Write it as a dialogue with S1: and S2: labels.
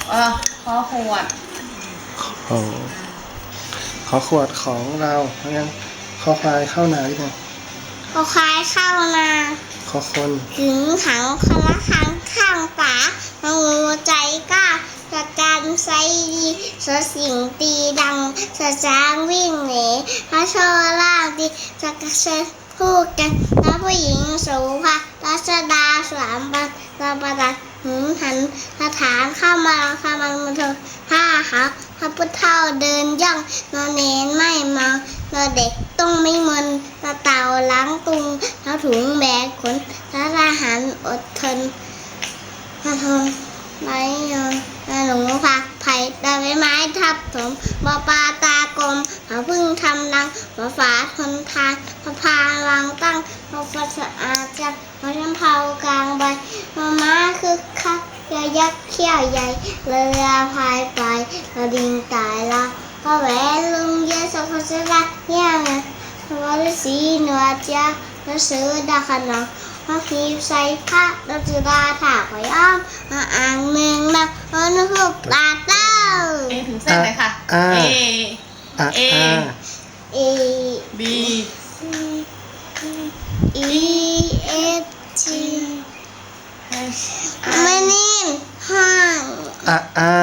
S1: ขอขวด
S2: ขอขอขวดของเรางั้นขอควายเข้านาหรือยัง
S3: ขอควายเข้านา
S2: ขอคน
S3: ถึงขังคนละครั้งข้างฝางูใจกล้าสการไซดีสสิ่งตีดังสจางวิ่งหนีพระโชล่างดีสกัดเชพูดกันแล้วผู้หญิงสูภารัชดาสามบันระประดับหืมหันสถานเข้ามาข้ามันมาเถอะผ้าขาวพระพุทธเจ้าเดินย่องนอนเนนไม่เมานอนเด็กต้องไม่มึนตาเต่าล้างตุงเท้าถุงแบกขนทหารอดทนมาทนไม้ยอนหนูผักไผ่ดาวไม้ทับถมบ่อปลาตากลมเขาพึ่งทำรังบ่อฝาทนทานพระพาวางตั้งพระฟัสอาจังพระชมเผากลางใบม้าคึกคักเรือยักษ์เขี้ยวใหญ่เรือพายไปกระดิ่งตายละพระแหวนลุงเยอะสักคนจะรักเงี้ยนะพระวรศีหนวดยาพระเสือดาขนองพระขีใส่พระดอกจุฬาถากไว้อ้อมอ่างเมืองนะนกฮูกตาเต้า
S1: ถึงเส้นเลยค่ะเอ
S3: เอ
S1: B
S3: E F G ไม่นิ่มห้าง